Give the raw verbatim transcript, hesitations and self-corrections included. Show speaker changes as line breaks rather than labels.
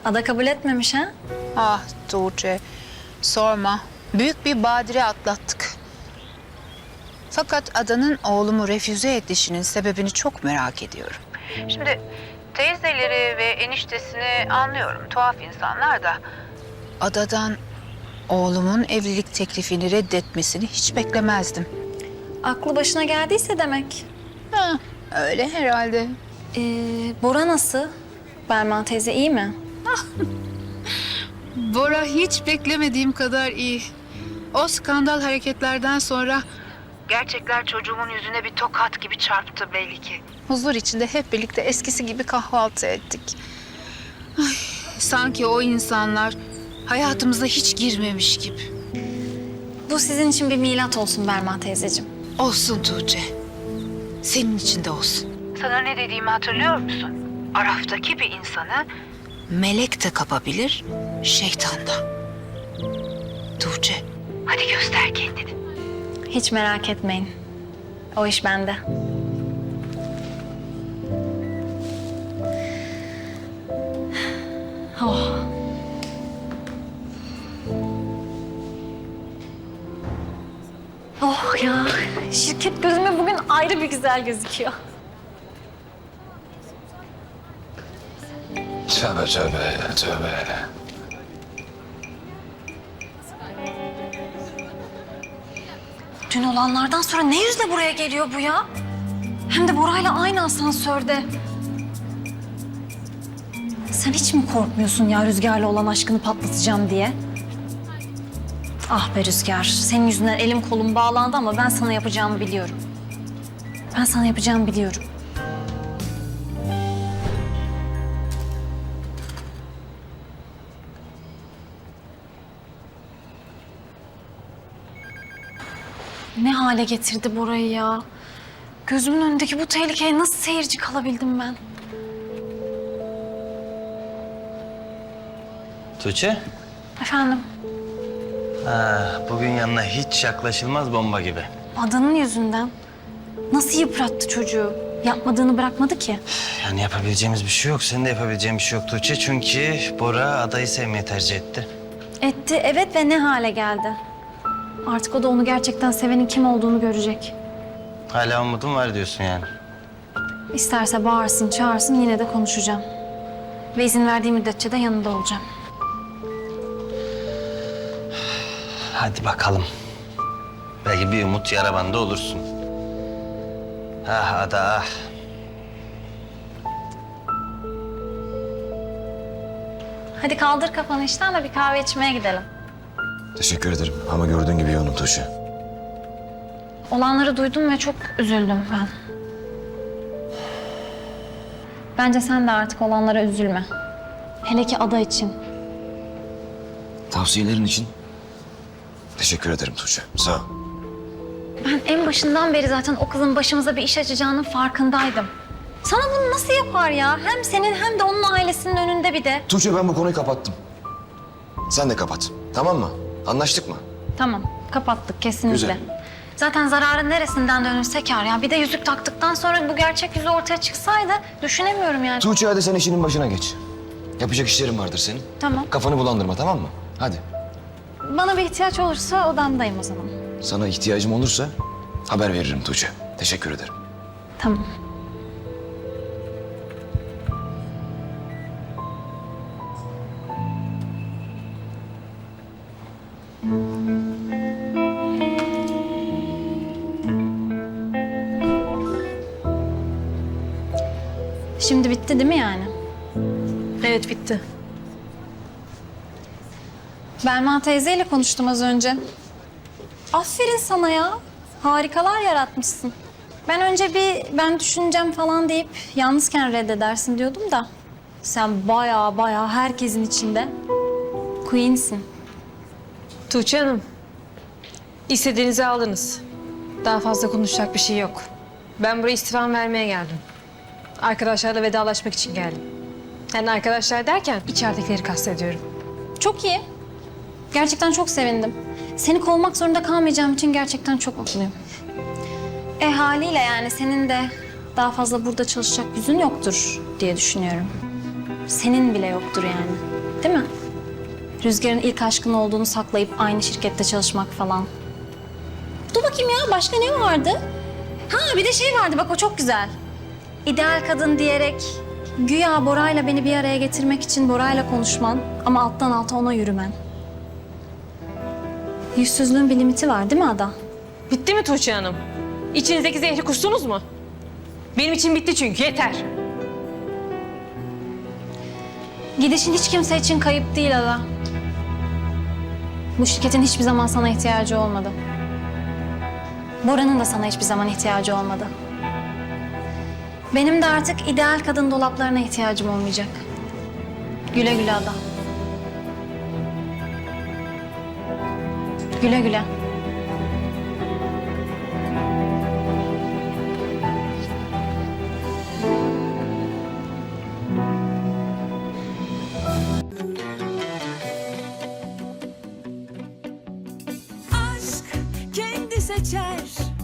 Ada kabul etmemiş ha?
Ah Tuğçe, sorma. Büyük bir badire atlattık. Fakat Adanın oğlumu refüze edişinin sebebini çok merak ediyorum. Şimdi teyzeleri ve eniştesini anlıyorum. Tuhaf insanlar da. Adadan oğlumun evlilik teklifini reddetmesini hiç beklemezdim.
Aklı başına geldiyse demek.
Ha, öyle herhalde.
Ee, Bora nasıl? Belma teyze iyi mi?
Bora hiç beklemediğim kadar iyi. O skandal hareketlerden sonra gerçekler çocuğumun yüzüne bir tokat gibi çarptı belli ki. Huzur içinde hep birlikte eskisi gibi kahvaltı ettik. Ay, sanki o insanlar hayatımıza hiç girmemiş gibi.
Bu sizin için bir milat olsun Belma teyzeciğim.
Olsun Tuğçe. Senin için de olsun. Sana ne dediğimi hatırlıyor musun? Araftaki bir insanı melek de kapabilir, şeytan da. Tuğçe, hadi göster kendini.
Hiç merak etmeyin. O iş bende. Oh. Oh ya, şirket gözüme bugün ayrı bir güzel gözüküyor.
Tövbe tövbe tövbe.
Dün olanlardan sonra ne yüzle buraya geliyor bu ya? Hem de Bora'yla aynı asansörde. Sen hiç mi korkmuyorsun ya Rüzgar'la olan aşkını patlatacağım diye? Ah be Rüzgar, senin yüzünden elim kolum bağlandı ama ben sana yapacağımı biliyorum. Ben sana yapacağımı biliyorum. Ne hale getirdi Bora'yı ya? Gözümün önündeki bu tehlikeye nasıl seyirci kalabildim ben?
Tuğçe,
Efendim,
ha, bugün yanına hiç yaklaşılmaz bomba gibi.
Adanın yüzünden nasıl yıprattı çocuğu? Yapmadığını bırakmadı ki.
Yani yapabileceğimiz bir şey yok. Senin de yapabileceğin bir şey yok Tuğçe. Çünkü Bora adayı sevmeyi tercih etti.
Etti evet ve ne hale geldi? Artık o da onu gerçekten sevenin kim olduğunu görecek.
Hala umudum var diyorsun yani.
İsterse bağırsın, çağırsın yine de konuşacağım. Ve izin verdiği müddetçe de yanında olacağım.
Hadi bakalım. Belki bir umut yara bandı olursun. Ah ada ah.
Hadi kaldır kafanı işten de bir kahve içmeye gidelim.
Teşekkür ederim ama gördüğün gibi yoğunum Tuğçe.
Olanları duydum ve çok üzüldüm ben. Bence sen de artık olanlara üzülme. Hele ki Ada için.
Tavsiyelerin için teşekkür ederim Tuğçe. Sağ ol.
Ben en başından beri zaten o kızın başımıza bir iş açacağının farkındaydım. Sana bunu nasıl yapar ya? Hem senin hem de onun ailesinin önünde bir de.
Tuğçe ben bu konuyu kapattım. Sen de kapat. Tamam mı? Anlaştık mı?
Tamam, kapattık kesinlikle.
Güzel.
Zaten zararın neresinden dönülse kâr ya. Bir de yüzük taktıktan sonra bu gerçek yüzü ortaya çıksaydı düşünemiyorum yani.
Tuğçe hadi sen işinin başına geç. Yapacak işlerin vardır senin.
Tamam.
Kafanı bulandırma tamam mı? Hadi.
Bana bir ihtiyaç olursa odamdayım o zaman.
Sana ihtiyacım olursa haber veririm Tuğçe. Teşekkür ederim.
Tamam. Şimdi bitti değil mi yani?
Evet bitti.
Belma teyzeyle konuştum az önce. Aferin sana ya. Harikalar yaratmışsın. Ben önce bir ben düşüneceğim falan deyip yalnızken reddedersin diyordum da. Sen bayağı bayağı herkesin içinde queen'sin.
Tuğçe Hanım, istediğinizi aldınız. Daha fazla konuşacak bir şey yok. Ben buraya istifam vermeye geldim. Arkadaşlarla vedalaşmak için geldim. Yani arkadaşlar derken içeridekileri kastediyorum.
Çok iyi. Gerçekten çok sevindim. Seni kovmak zorunda kalmayacağım için gerçekten çok mutluyum. E haliyle yani senin de daha fazla burada çalışacak yüzün yoktur diye düşünüyorum. senin bile yoktur yani. Değil mi? Rüzgar'ın ilk aşkın olduğunu saklayıp aynı şirkette çalışmak falan. Dur bakayım ya, başka ne vardı? Ha, bir de şey vardı, bak o çok güzel. İdeal kadın diyerek güya Bora'yla beni bir araya getirmek için Bora'yla konuşman ama alttan alta ona yürümen. Yüzsüzlüğün bir limiti var değil mi Ada?
Bitti mi Tuğçe Hanım? İçinizdeki zehri kustunuz mu? Benim için bitti çünkü, yeter.
Gidişin hiç kimse için kayıp değil Ada. Bu şirketin hiçbir zaman sana ihtiyacı olmadı. Bora'nın da sana hiçbir zaman ihtiyacı olmadı. Benim de artık ideal kadın dolaplarına ihtiyacım olmayacak. Güle güle Ada. Güle güle.
aşk kendi seçer